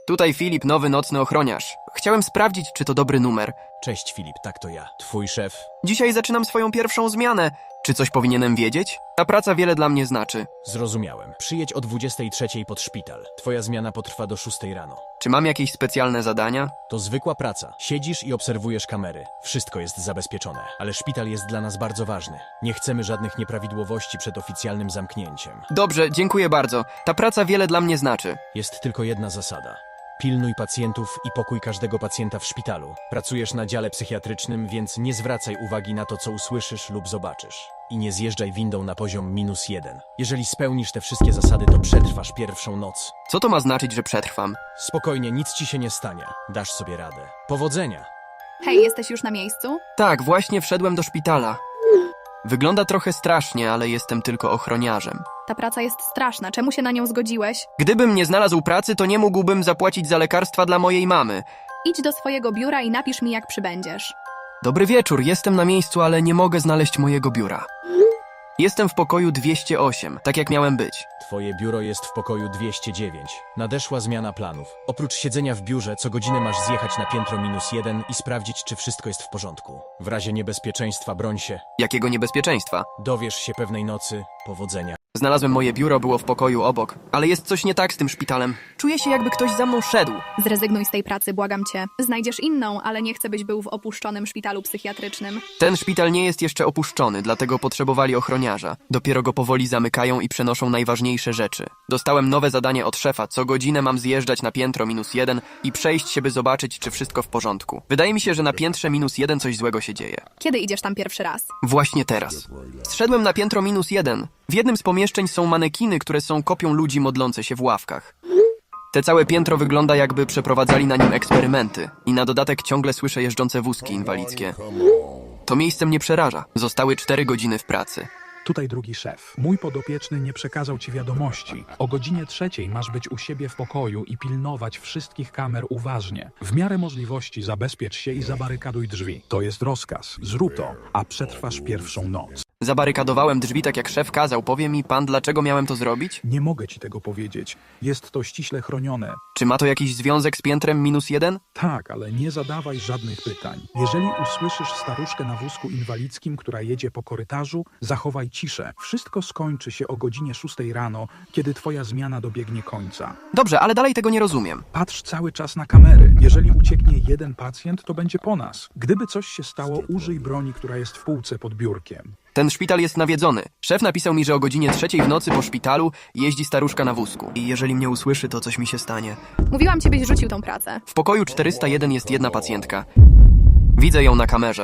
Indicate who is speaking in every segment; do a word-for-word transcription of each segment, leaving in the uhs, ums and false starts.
Speaker 1: Tutaj Filip, nowy nocny ochroniarz. Chciałem sprawdzić, czy to dobry numer.
Speaker 2: Cześć Filip, tak to ja. Twój szef.
Speaker 1: Dzisiaj zaczynam swoją pierwszą zmianę. Czy coś powinienem wiedzieć? Ta praca wiele dla mnie znaczy.
Speaker 2: Zrozumiałem. Przyjedź o dwudziestej trzeciej pod szpital. Twoja zmiana potrwa do szóstej rano.
Speaker 1: Czy mam jakieś specjalne zadania?
Speaker 2: To zwykła praca. Siedzisz i obserwujesz kamery. Wszystko jest zabezpieczone. Ale szpital jest dla nas bardzo ważny. Nie chcemy żadnych nieprawidłowości przed oficjalnym zamknięciem.
Speaker 1: Dobrze, dziękuję bardzo. Ta praca wiele dla mnie znaczy.
Speaker 2: Jest tylko jedna zasada. Pilnuj pacjentów i pokój każdego pacjenta w szpitalu. Pracujesz na dziale psychiatrycznym, więc nie zwracaj uwagi na to, co usłyszysz lub zobaczysz. I nie zjeżdżaj windą na poziom minus jeden. Jeżeli spełnisz te wszystkie zasady, to przetrwasz pierwszą noc.
Speaker 1: Co to ma znaczyć, że przetrwam?
Speaker 2: Spokojnie, nic ci się nie stanie. Dasz sobie radę. Powodzenia!
Speaker 3: Hej, jesteś już na miejscu?
Speaker 1: Tak, właśnie wszedłem do szpitala. Wygląda trochę strasznie, ale jestem tylko ochroniarzem.
Speaker 3: Ta praca jest straszna. Czemu się na nią zgodziłeś?
Speaker 1: Gdybym nie znalazł pracy, to nie mógłbym zapłacić za lekarstwa dla mojej mamy.
Speaker 3: Idź do swojego biura i napisz mi, jak przybędziesz.
Speaker 1: Dobry wieczór, jestem na miejscu, ale nie mogę znaleźć mojego biura. Jestem w pokoju dwieście osiem, tak jak miałem być.
Speaker 2: Twoje biuro jest w pokoju dwieście dziewięć. Nadeszła zmiana planów. Oprócz siedzenia w biurze, co godzinę masz zjechać na piętro minus jeden i sprawdzić, czy wszystko jest w porządku. W razie niebezpieczeństwa broń się.
Speaker 1: Jakiego niebezpieczeństwa?
Speaker 2: Dowiesz się pewnej nocy. Powodzenia.
Speaker 1: Znalazłem moje biuro, było w pokoju obok. Ale jest coś nie tak z tym szpitalem. Czuję się, jakby ktoś za mną szedł.
Speaker 3: Zrezygnuj z tej pracy, błagam cię. Znajdziesz inną, ale nie chcę, byś był w opuszczonym szpitalu psychiatrycznym.
Speaker 1: Ten szpital nie jest jeszcze opuszczony, dlatego potrzebowali ochroniarza. Dopiero go powoli zamykają i przenoszą najważniejsze rzeczy. Dostałem nowe zadanie od szefa. Co godzinę mam zjeżdżać na piętro minus jeden i przejść się, by zobaczyć, czy wszystko w porządku. Wydaje mi się, że na piętrze minus jeden coś złego się dzieje.
Speaker 3: Kiedy idziesz tam pierwszy raz?
Speaker 1: Właśnie teraz. Zszedłem na piętro minus jeden. W jednym z pomieszczeń są manekiny, które są kopią ludzi modlących się w ławkach. Te całe piętro wygląda, jakby przeprowadzali na nim eksperymenty. I na dodatek ciągle słyszę jeżdżące wózki inwalidzkie. To miejsce mnie przeraża. Zostały cztery godziny w pracy.
Speaker 4: Tutaj drugi szef. Mój podopieczny nie przekazał ci wiadomości. O godzinie trzeciej masz być u siebie w pokoju i pilnować wszystkich kamer uważnie. W miarę możliwości zabezpiecz się i zabarykaduj drzwi. To jest rozkaz. Zrób to, a przetrwasz pierwszą noc.
Speaker 1: Zabarykadowałem drzwi tak jak szef kazał. Powie mi pan, dlaczego miałem to zrobić?
Speaker 4: Nie mogę ci tego powiedzieć. Jest to ściśle chronione.
Speaker 1: Czy ma to jakiś związek z piętrem minus jeden?
Speaker 4: Tak, ale nie zadawaj żadnych pytań. Jeżeli usłyszysz staruszkę na wózku inwalidzkim, która jedzie po korytarzu, zachowaj ciszę. Wszystko skończy się o godzinie szóstej rano, kiedy twoja zmiana dobiegnie końca.
Speaker 1: Dobrze, ale dalej tego nie rozumiem.
Speaker 4: Patrz cały czas na kamery. Jeżeli ucieknie jeden pacjent, to będzie po nas. Gdyby coś się stało, użyj broni, która jest w półce pod biurkiem.
Speaker 1: Ten szpital jest nawiedzony. Szef napisał mi, że o godzinie trzeciej w nocy po szpitalu jeździ staruszka na wózku. I jeżeli mnie usłyszy, to coś mi się stanie.
Speaker 3: Mówiłam ci, byś rzucił tą pracę.
Speaker 1: W pokoju czterysta jeden jest jedna pacjentka. Widzę ją na kamerze.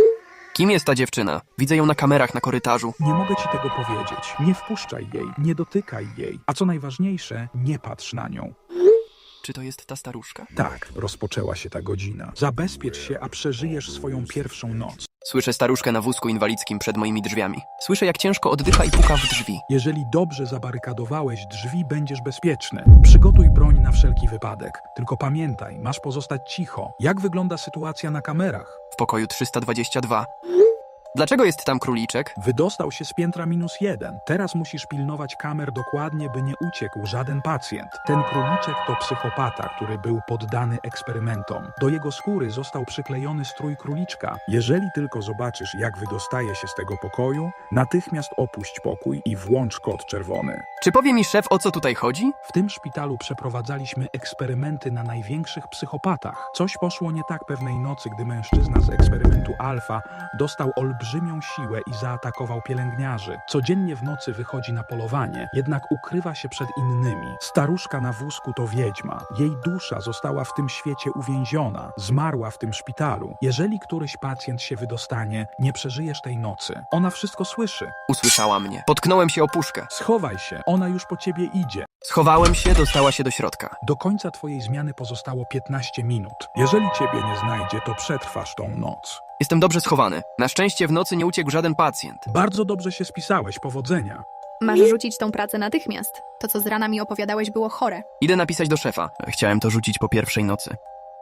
Speaker 1: Kim jest ta dziewczyna? Widzę ją na kamerach na korytarzu.
Speaker 4: Nie mogę ci tego powiedzieć. Nie wpuszczaj jej, nie dotykaj jej. A co najważniejsze, nie patrz na nią.
Speaker 1: Czy to jest ta staruszka?
Speaker 4: Tak, rozpoczęła się ta godzina. Zabezpiecz się, a przeżyjesz swoją pierwszą noc.
Speaker 1: Słyszę staruszkę na wózku inwalidzkim przed moimi drzwiami. Słyszę, jak ciężko oddycha i puka w drzwi.
Speaker 4: Jeżeli dobrze zabarykadowałeś drzwi, będziesz bezpieczny. Przygotuj broń na wszelki wypadek. Tylko pamiętaj, masz pozostać cicho. Jak wygląda sytuacja na kamerach?
Speaker 1: W pokoju trzysta dwadzieścia dwa. Dlaczego jest tam króliczek?
Speaker 4: Wydostał się z piętra minus jeden. Teraz musisz pilnować kamer dokładnie, by nie uciekł żaden pacjent. Ten króliczek to psychopata, który był poddany eksperymentom. Do jego skóry został przyklejony strój króliczka. Jeżeli tylko zobaczysz, jak wydostaje się z tego pokoju, natychmiast opuść pokój i włącz kod czerwony.
Speaker 1: Czy powie mi szef, o co tutaj chodzi?
Speaker 4: W tym szpitalu przeprowadzaliśmy eksperymenty na największych psychopatach. Coś poszło nie tak pewnej nocy, gdy mężczyzna z eksperymentu alfa dostał olbrzymią siłę i zaatakował pielęgniarzy. Codziennie w nocy wychodzi na polowanie, jednak ukrywa się przed innymi. Staruszka na wózku to wiedźma. Jej dusza została w tym świecie uwięziona. Zmarła w tym szpitalu. Jeżeli któryś pacjent się wydostanie, nie przeżyjesz tej nocy. Ona wszystko słyszy.
Speaker 1: Usłyszała mnie. Potknąłem się o puszkę.
Speaker 4: Schowaj się, ona już po ciebie idzie.
Speaker 1: Schowałem się, dostała się do środka.
Speaker 4: Do końca twojej zmiany pozostało piętnaście minut. Jeżeli ciebie nie znajdzie, to przetrwasz tą noc.
Speaker 1: Jestem dobrze schowany. Na szczęście w nocy nie uciekł żaden pacjent.
Speaker 4: Bardzo dobrze się spisałeś, powodzenia.
Speaker 3: Masz rzucić tą pracę natychmiast. To, co z rana mi opowiadałeś, było chore.
Speaker 1: Idę napisać do szefa. Chciałem to rzucić po pierwszej nocy.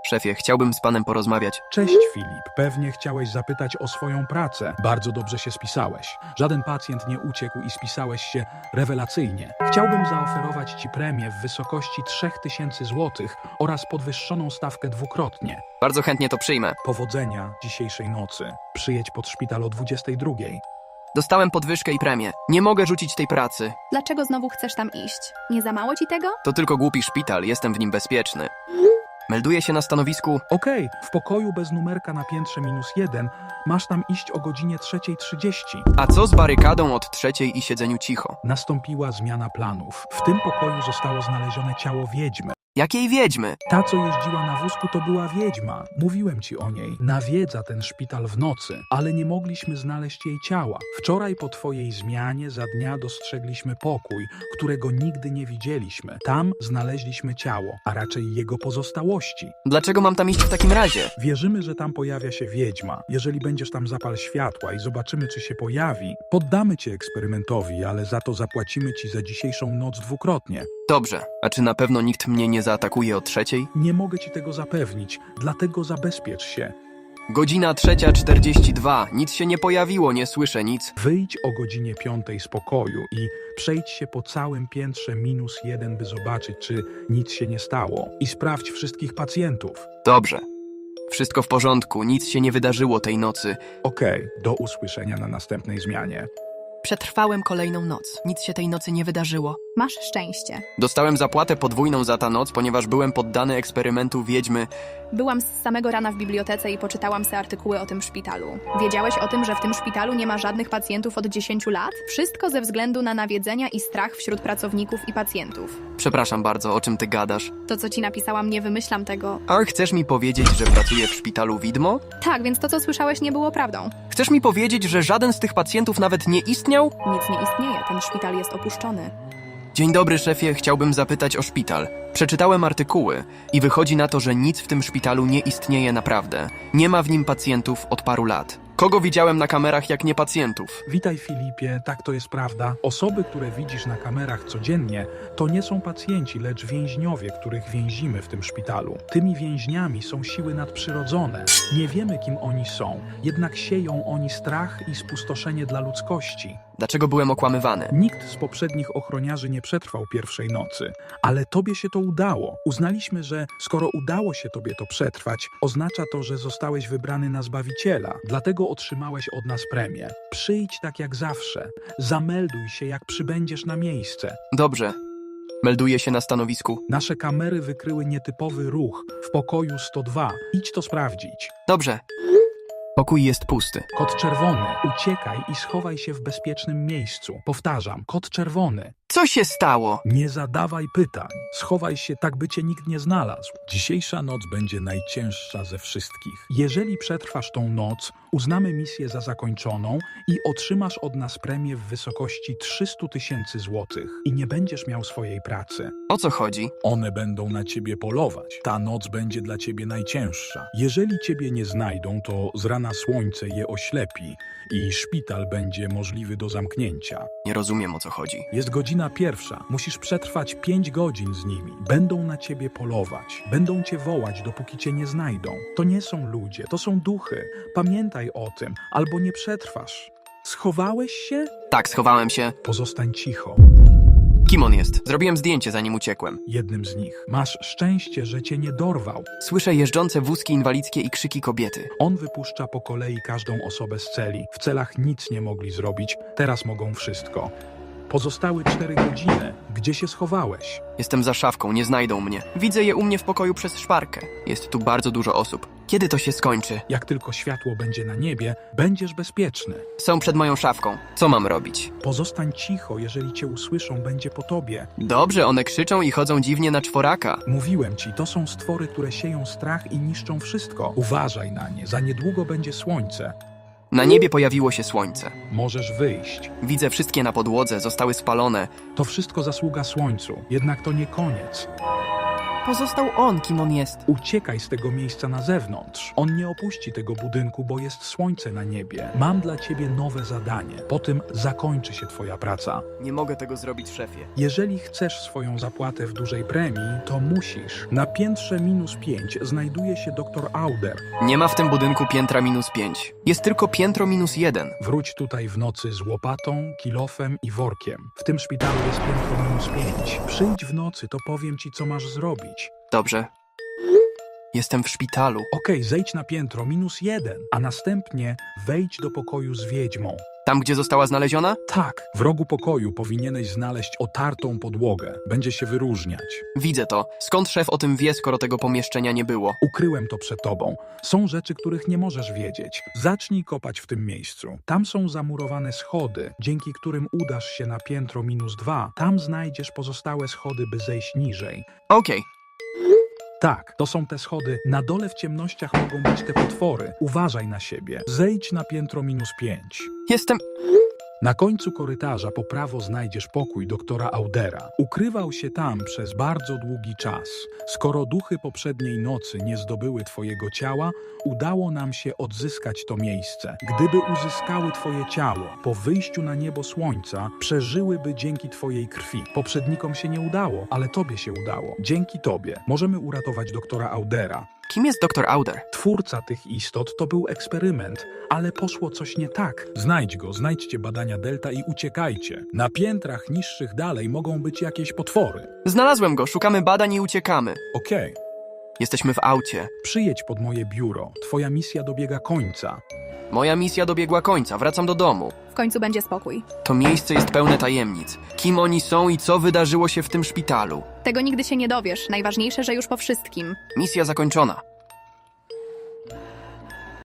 Speaker 1: Szefie, chciałbym z panem porozmawiać.
Speaker 4: Cześć Filip, pewnie chciałeś zapytać o swoją pracę. Bardzo dobrze się spisałeś. Żaden pacjent nie uciekł i spisałeś się rewelacyjnie. Chciałbym zaoferować ci premię w wysokości trzech tysięcy złotych oraz podwyższoną stawkę dwukrotnie.
Speaker 1: Bardzo chętnie to przyjmę.
Speaker 4: Powodzenia dzisiejszej nocy. Przyjedź pod szpital o dwudziestej drugiej.
Speaker 1: Dostałem podwyżkę i premię. Nie mogę rzucić tej pracy.
Speaker 3: Dlaczego znowu chcesz tam iść? Nie za mało ci tego?
Speaker 1: To tylko głupi szpital, jestem w nim bezpieczny. Melduję się na stanowisku.
Speaker 4: Okej, w pokoju bez numerka na piętrze minus jeden masz tam iść o godzinie trzeciej trzydzieści.
Speaker 1: A co z barykadą od trzeciej i siedzeniu cicho?
Speaker 4: Nastąpiła zmiana planów. W tym pokoju zostało znalezione ciało wiedźmy.
Speaker 1: Jakiej wiedźmy?
Speaker 4: Ta, co jeździła na wózku, to była wiedźma. Mówiłem ci o niej. Nawiedza ten szpital w nocy, ale nie mogliśmy znaleźć jej ciała. Wczoraj po twojej zmianie za dnia dostrzegliśmy pokój, którego nigdy nie widzieliśmy. Tam znaleźliśmy ciało, a raczej jego pozostałości.
Speaker 1: Dlaczego mam tam iść w takim razie?
Speaker 4: Wierzymy, że tam pojawia się wiedźma. Jeżeli będziesz tam, zapal światła i zobaczymy, czy się pojawi. Poddamy cię eksperymentowi, ale za to zapłacimy ci za dzisiejszą noc dwukrotnie.
Speaker 1: Dobrze, a czy na pewno nikt mnie nie zaatakuje o trzeciej?
Speaker 4: Nie mogę ci tego zapewnić, dlatego zabezpiecz się.
Speaker 1: Godzina trzecia czterdzieści dwa. Nic się nie pojawiło, nie słyszę nic.
Speaker 4: Wyjdź o godzinie piątej z pokoju i przejdź się po całym piętrze minus jeden, by zobaczyć, czy nic się nie stało. I sprawdź wszystkich pacjentów.
Speaker 1: Dobrze. Wszystko w porządku, nic się nie wydarzyło tej nocy.
Speaker 4: Okej, do usłyszenia na następnej zmianie.
Speaker 1: Przetrwałem kolejną noc. Nic się tej nocy nie wydarzyło.
Speaker 3: Masz szczęście.
Speaker 1: Dostałem zapłatę podwójną za ta noc, ponieważ byłem poddany eksperymentu wiedźmy.
Speaker 3: Byłam z samego rana w bibliotece i poczytałam se artykuły o tym szpitalu. Wiedziałeś o tym, że w tym szpitalu nie ma żadnych pacjentów od dziesięciu lat? Wszystko ze względu na nawiedzenia i strach wśród pracowników i pacjentów.
Speaker 1: Przepraszam bardzo, o czym ty gadasz?
Speaker 3: To, co ci napisałam, nie wymyślam tego.
Speaker 1: A chcesz mi powiedzieć, że pracuję w szpitalu widmo?
Speaker 3: Tak, więc to, co słyszałeś, nie było prawdą.
Speaker 1: Chcesz mi powiedzieć, że żaden z tych pacjentów nawet nie istniał?
Speaker 3: Nic nie istnieje, ten szpital jest opuszczony.
Speaker 1: Dzień dobry, szefie, chciałbym zapytać o szpital. Przeczytałem artykuły i wychodzi na to, że nic w tym szpitalu nie istnieje naprawdę. Nie ma w nim pacjentów od paru lat. Kogo widziałem na kamerach, jak nie pacjentów?
Speaker 4: Witaj Filipie, tak to jest prawda. Osoby, które widzisz na kamerach codziennie, to nie są pacjenci, lecz więźniowie, których więzimy w tym szpitalu. Tymi więźniami są siły nadprzyrodzone. Nie wiemy, kim oni są, jednak sieją oni strach i spustoszenie dla ludzkości.
Speaker 1: Dlaczego byłem okłamywany?
Speaker 4: Nikt z poprzednich ochroniarzy nie przetrwał pierwszej nocy, ale tobie się to udało. Uznaliśmy, że skoro udało się tobie to przetrwać, oznacza to, że zostałeś wybrany na Zbawiciela, dlatego otrzymałeś od nas premię. Przyjdź tak jak zawsze, zamelduj się, jak przybędziesz na miejsce.
Speaker 1: Dobrze. Melduję się na stanowisku.
Speaker 4: Nasze kamery wykryły nietypowy ruch w pokoju sto dwa. Idź to sprawdzić.
Speaker 1: Dobrze. Pokój jest pusty.
Speaker 4: Kod czerwony, uciekaj i schowaj się w bezpiecznym miejscu. Powtarzam, kod czerwony.
Speaker 1: Co się stało?
Speaker 4: Nie zadawaj pytań. Schowaj się tak, by cię nikt nie znalazł.
Speaker 5: Dzisiejsza noc będzie najcięższa ze wszystkich.
Speaker 4: Jeżeli przetrwasz tą noc, uznamy misję za zakończoną i otrzymasz od nas premię w wysokości trzysta tysięcy złotych. I nie będziesz miał swojej pracy.
Speaker 1: O co chodzi?
Speaker 5: One będą na ciebie polować. Ta noc będzie dla ciebie najcięższa. Jeżeli ciebie nie znajdą, to z rana słońce je oślepi i szpital będzie możliwy do zamknięcia.
Speaker 1: Nie rozumiem, o co chodzi.
Speaker 4: Jest godzina pierwsza. Musisz przetrwać pięć godzin z nimi. Będą na ciebie polować. Będą cię wołać, dopóki cię nie znajdą. To nie są ludzie, to są duchy. Pamiętaj o tym, albo nie przetrwasz. Schowałeś się?
Speaker 1: Tak, schowałem się.
Speaker 4: Pozostań cicho.
Speaker 1: Kim on jest? Zrobiłem zdjęcie, zanim uciekłem.
Speaker 4: Jednym z nich. Masz szczęście, że cię nie dorwał.
Speaker 1: Słyszę jeżdżące wózki inwalidzkie i krzyki kobiety.
Speaker 4: On wypuszcza po kolei każdą osobę z celi. W celach nic nie mogli zrobić, teraz mogą wszystko. Pozostały cztery godziny. Gdzie się schowałeś?
Speaker 1: Jestem za szafką, nie znajdą mnie. Widzę je u mnie w pokoju przez szparkę. Jest tu bardzo dużo osób. Kiedy to się skończy?
Speaker 4: Jak tylko światło będzie na niebie, będziesz bezpieczny.
Speaker 1: Są przed moją szafką. Co mam robić?
Speaker 4: Pozostań cicho, jeżeli cię usłyszą, będzie po tobie.
Speaker 1: Dobrze, one krzyczą i chodzą dziwnie na czworaka.
Speaker 4: Mówiłem ci, to są stwory, które sieją strach i niszczą wszystko. Uważaj na nie, za niedługo będzie słońce.
Speaker 1: Na niebie pojawiło się słońce.
Speaker 4: Możesz wyjść.
Speaker 1: Widzę wszystkie na podłodze, zostały spalone.
Speaker 4: To wszystko zasługa słońcu, jednak to nie koniec.
Speaker 1: Pozostał on, kim on jest.
Speaker 5: Uciekaj z tego miejsca na zewnątrz. On nie opuści tego budynku, bo jest słońce na niebie. Mam dla ciebie nowe zadanie. Po tym zakończy się twoja praca.
Speaker 1: Nie mogę tego zrobić, szefie.
Speaker 5: Jeżeli chcesz swoją zapłatę w dużej premii, to musisz. Na piętrze minus pięć znajduje się doktor Auder.
Speaker 1: Nie ma w tym budynku piętra minus pięć. Jest tylko piętro minus jeden.
Speaker 5: Wróć tutaj w nocy z łopatą, kilofem i workiem. W tym szpitalu jest piętro minus pięć. Przyjdź w nocy, to powiem ci, co masz zrobić.
Speaker 1: Dobrze. Jestem w szpitalu.
Speaker 5: Okej, zejdź na piętro minus jeden, a następnie wejdź do pokoju z wiedźmą.
Speaker 1: Tam, gdzie została znaleziona?
Speaker 5: Tak, w rogu pokoju powinieneś znaleźć otartą podłogę. Będzie się wyróżniać.
Speaker 1: Widzę to. Skąd szef o tym wie, skoro tego pomieszczenia nie było?
Speaker 5: Ukryłem to przed tobą. Są rzeczy, których nie możesz wiedzieć. Zacznij kopać w tym miejscu. Tam są zamurowane schody, dzięki którym udasz się na piętro minus dwa. Tam znajdziesz pozostałe schody, by zejść niżej.
Speaker 1: Okej.
Speaker 5: Tak, to są te schody. Na dole w ciemnościach mogą być te potwory. Uważaj na siebie. Zejdź na piętro minus pięć.
Speaker 1: Jestem...
Speaker 5: Na końcu korytarza po prawo znajdziesz pokój doktora Audera. Ukrywał się tam przez bardzo długi czas. Skoro duchy poprzedniej nocy nie zdobyły twojego ciała, udało nam się odzyskać to miejsce. Gdyby uzyskały twoje ciało, po wyjściu na niebo słońca, przeżyłyby dzięki twojej krwi. Poprzednikom się nie udało, ale tobie się udało. Dzięki tobie możemy uratować doktora Audera.
Speaker 1: Kim jest doktor Auder?
Speaker 5: Twórca tych istot to był eksperyment, ale poszło coś nie tak. Znajdź go, znajdźcie badania Delta i uciekajcie. Na piętrach niższych dalej mogą być jakieś potwory.
Speaker 1: Znalazłem go, szukamy badań i uciekamy.
Speaker 5: Okej,
Speaker 1: Jesteśmy w aucie.
Speaker 5: przyjedź pod moje biuro. Twoja misja dobiega końca.
Speaker 1: Moja misja dobiegła końca, wracam do domu.
Speaker 3: W końcu będzie spokój.
Speaker 1: To miejsce jest pełne tajemnic. Kim oni są i co wydarzyło się w tym szpitalu?
Speaker 3: Tego nigdy się nie dowiesz. Najważniejsze, że już po wszystkim.
Speaker 1: Misja zakończona.